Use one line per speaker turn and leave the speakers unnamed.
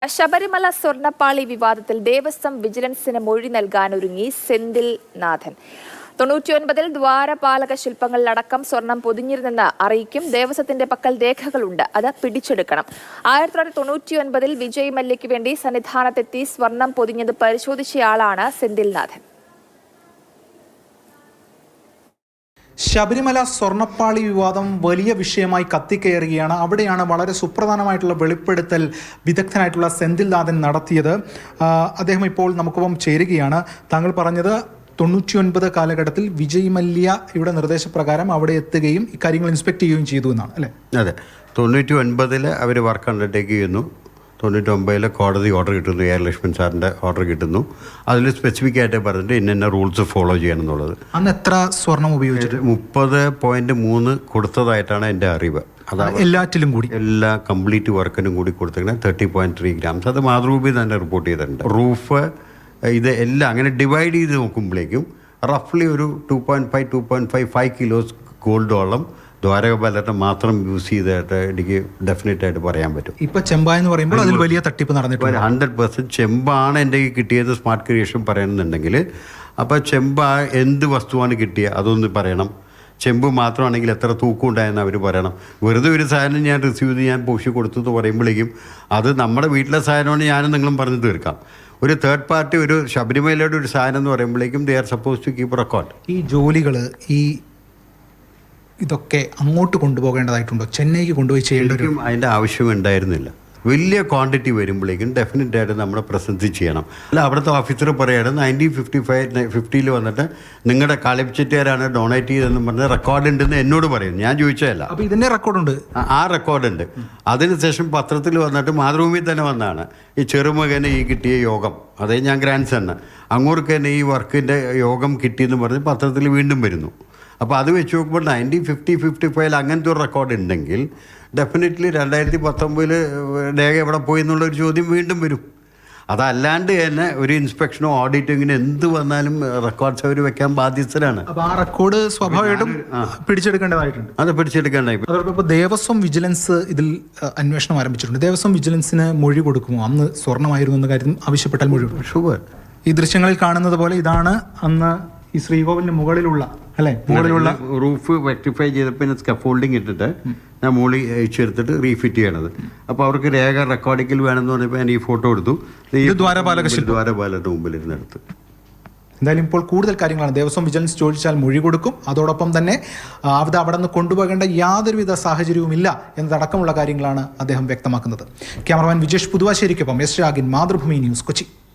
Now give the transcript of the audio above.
ശബരിമല സ്വർണ്ണപ്പാളി വിവാദത്തിൽ ദേവസ്വം വിജിലൻസിന് മൊഴി നൽകാനൊരുങ്ങി സെന്തിൽ നാഥൻ. 99-ൽ ദ്വാരപാലക ശില്പങ്ങളിലടക്കം സ്വർണം പൊതിഞ്ഞിരുന്നെന്ന് അറിയിക്കും. ദേവസ്വത്തിന്റെ പക്കൽ രേഖകളുണ്ട്, അത് പിടിച്ചെടുക്കണം. 1999-ൽ വിജയ് മല്യയ്ക്ക് വേണ്ടി സന്നിധാനത്തെത്തി സ്വർണം പൊതിഞ്ഞത് പരിശോധിച്ചയാളാണ് സെന്തിൽ നാഥൻ.
ശബരിമല സ്വർണ്ണപ്പാളി വിവാദം വലിയ വിഷയമായി കത്തിക്കയറുകയാണ്. അവിടെയാണ് വളരെ സുപ്രധാനമായിട്ടുള്ള വെളിപ്പെടുത്തൽ വിദഗ്ധനായിട്ടുള്ള സെന്തിൽ നാഥൻ നടത്തിയത്. അദ്ദേഹം ഇപ്പോൾ നമുക്കൊപ്പം ചേരുകയാണ്. താങ്കൾ പറഞ്ഞത് 99 കാലഘട്ടത്തിൽ വിജയ് മല്യയുടെ നിർദ്ദേശപ്രകാരം അവിടെ എത്തുകയും ഇക്കാര്യങ്ങൾ ഇൻസ്പെക്ട് ചെയ്യുകയും ചെയ്തു എന്നാണ് അല്ലേ?
അതെ, 99-ൽ അവർ വർക്ക് അണ്ടർടേക്ക് ചെയ്യുന്നു. 99-ൽ കോടതി ഓർഡർ കിട്ടുന്നു, എ ആർ ലക്ഷ്മൺ സാറിൻ്റെ ഓർഡർ കിട്ടുന്നു. അതിൽ സ്പെസിഫിക് ആയിട്ട് പറഞ്ഞിട്ട് ഇന്ന റൂൾസ് ഫോളോ ചെയ്യണം എന്നുള്ളത്.
അന്ന് എത്ര സ്വർണം ഉപയോഗിച്ചിട്ട്?
30.3 കൊടുത്തതായിട്ടാണ് എൻ്റെ അറിവ്.
അതാണ് എല്ലാറ്റിലും കൂടി,
എല്ലാ കംപ്ലീറ്റ് വർക്കിനും കൂടി കൊടുത്തിരിക്കുന്നത് 30.3 ഗ്രാംസ്. അത് മാതൃഭൂമി തന്നെ റിപ്പോർട്ട് ചെയ്തിട്ടുണ്ട്. റൂഫ് ഇത് എല്ലാം അങ്ങനെ ഡിവൈഡ് ചെയ്ത് നോക്കുമ്പോഴേക്കും റഫ്ലി ഒരു 2.5 കിലോസ് ഗോൾഡോളം ദ്വാരകപാലത്തെ മാത്രം യൂസ് ചെയ്തായിട്ട് എനിക്ക് ഡെഫിനറ്റ് ആയിട്ട് പറയാൻ പറ്റും.
ഇപ്പൊ ചെമ്പ എന്ന് പറയുമ്പോൾ അതിൽ വലിയ തട്ടിപ്പ് നടന്നിട്ടുണ്ട്.
100% ചെമ്പാണ് എൻ്റെ കിട്ടിയത് സ്മാർട്ട് ക്രിയേഷൻ പറയുന്നുണ്ടെങ്കിൽ. അപ്പോൾ ചെമ്പ് എന്ത് വസ്തുവാണ് കിട്ടിയത് അതൊന്ന് പറയണം. ചെമ്പ് മാത്രമാണെങ്കിൽ എത്ര തൂക്കം ഉണ്ടായെന്ന് അവർ പറയണം. വെറുതെ ഒരു സാധനം ഞാൻ റിസീവ് ചെയ്ത് ഞാൻ പോഷി കൊടുത്തു എന്ന് പറയുമ്പോഴേക്കും അത് നമ്മുടെ വീട്ടിലെ സാധനമാണ് ഞാനും നിങ്ങളും പറഞ്ഞു തീർക്കാം. ഒരു തേർഡ് പാർട്ടി ഒരു ശബരിമലയുടെ ഒരു സാധനം എന്ന് പറയുമ്പോഴേക്കും they are suppose to keep record.
ഈ ജോലികൾ ഇതൊക്കെ അങ്ങോട്ട് കൊണ്ടുപോകേണ്ടതായിട്ടുണ്ടോ? ചെന്നൈക്ക് കൊണ്ടുപോയി ചെയ്യേണ്ട ഒരു
അതിൻ്റെ ആവശ്യം ഉണ്ടായിരുന്നില്ല. വലിയ ക്വാണ്ടിറ്റി വരുമ്പോഴേക്കും ഡെഫിനറ്റ് ആയിട്ട് നമ്മുടെ പ്രസൻറ്റ് ചെയ്യണം. അല്ല, അവിടുത്തെ ഓഫീസർ പറയാണ് 1950 വന്നിട്ട് നിങ്ങളുടെ കളിപ്പിച്ചിട്ടാരാണ് ഡൊണേറ്റ് ചെയ്തതെന്ന് പറഞ്ഞ് റെക്കോർഡ് ഉണ്ടെന്ന് എന്നോട് പറയും. ഞാൻ ചോദിച്ചതല്ല.
അപ്പോൾ ഇതിൻ്റെ റെക്കോർഡുണ്ട്,
ആ റെക്കോർഡുണ്ട്. അതിനുശേഷം പത്രത്തിൽ വന്നിട്ട് മാതൃഭൂമിയിൽ തന്നെ വന്നതാണ് ഈ ചെറുമകന് ഈ കിട്ടിയ യോഗം. അതേ ഞാൻ ഗ്രാൻഡ് സണ്ണ് അങ്ങോട്ട് തന്നെ ഈ വർക്കിൻ്റെ യോഗം കിട്ടിയെന്ന് പറഞ്ഞ് പത്രത്തിൽ വീണ്ടും വരുന്നു. അപ്പോൾ അത് വെച്ച് നോക്കുമ്പോൾ 1950-55 അങ്ങനത്തെ ഒരു റെക്കോർഡ് ഉണ്ടെങ്കിൽ ഡെഫിനറ്റ്ലി 2019 രേഖ എവിടെ പോയി എന്നുള്ളൊരു ചോദ്യം വീണ്ടും വരും. അതല്ലാണ്ട് തന്നെ ഒരു ഇൻസ്പെക്ഷനോ ഓഡിറ്റിങ്ങിന് എന്ത് വന്നാലും റെക്കോർഡ്സ് അവർ വെക്കാൻ ബാധ്യസ്ഥരാണ്.
അപ്പോൾ ആ റെക്കോർഡ് സ്വാഭാവികമായിട്ടും പിടിച്ചെടുക്കേണ്ടതായിട്ടുണ്ട്.
അത് പിടിച്ചെടുക്കേണ്ടായി.
അതോടൊപ്പം ദേവസ്വം വിജിലൻസ് ഇതിൽ അന്വേഷണം ആരംഭിച്ചിട്ടുണ്ട്. ദേവസ്വം വിജിലൻസിന് മൊഴി കൊടുക്കുമോ? അന്ന് സ്വർണ്ണമായിരുന്നു എന്ന കാര്യം ആവശ്യപ്പെട്ടാൽ മൊഴി
ഷുവർ.
ഈ ദൃശ്യങ്ങളിൽ കാണുന്നത് പോലെ ഇതാണ് അന്ന് ഈ ശ്രീകോവിലിന് മുകളിലുള്ള
റൂഫ് റെക്ടിഫൈ ചെയ്തപ്പോൾ സ്കഫോൾഡിങ് ഇട്ടിട്ട് ഞാൻ മുകളിൽ ചേർത്തിട്ട് റീഫിറ്റ് ചെയ്യണത്. അപ്പോൾ അവർക്ക് രേഖ റെക്കോർഡിങ്ങിൽ വേണമെന്ന് പറഞ്ഞപ്പോൾ ഞാൻ ഈ ഫോട്ടോ എടുത്തു. ദ്വാരപാലകരുടെ മുമ്പിലിരുന്നെടുത്ത്.
എന്തായാലും ഇപ്പോൾ കൂടുതൽ കാര്യങ്ങളാണ്. ദേവസ്വം വിജിലൻസ് ചോദിച്ചാൽ മൊഴി കൊടുക്കും. അതോടൊപ്പം തന്നെ അവിടെ നിന്ന് കൊണ്ടുപോകേണ്ട യാതൊരുവിധ സാഹചര്യവുമില്ല എന്നതടക്കമുള്ള കാര്യങ്ങളാണ് അദ്ദേഹം വ്യക്തമാക്കുന്നത്. ക്യാമറമാൻ വിജേഷ് പുതുവാശ്ശേരിക്കൊപ്പം എസ് രാഗിൻ, മാതൃഭൂമി ന്യൂസ്, കൊച്ചി.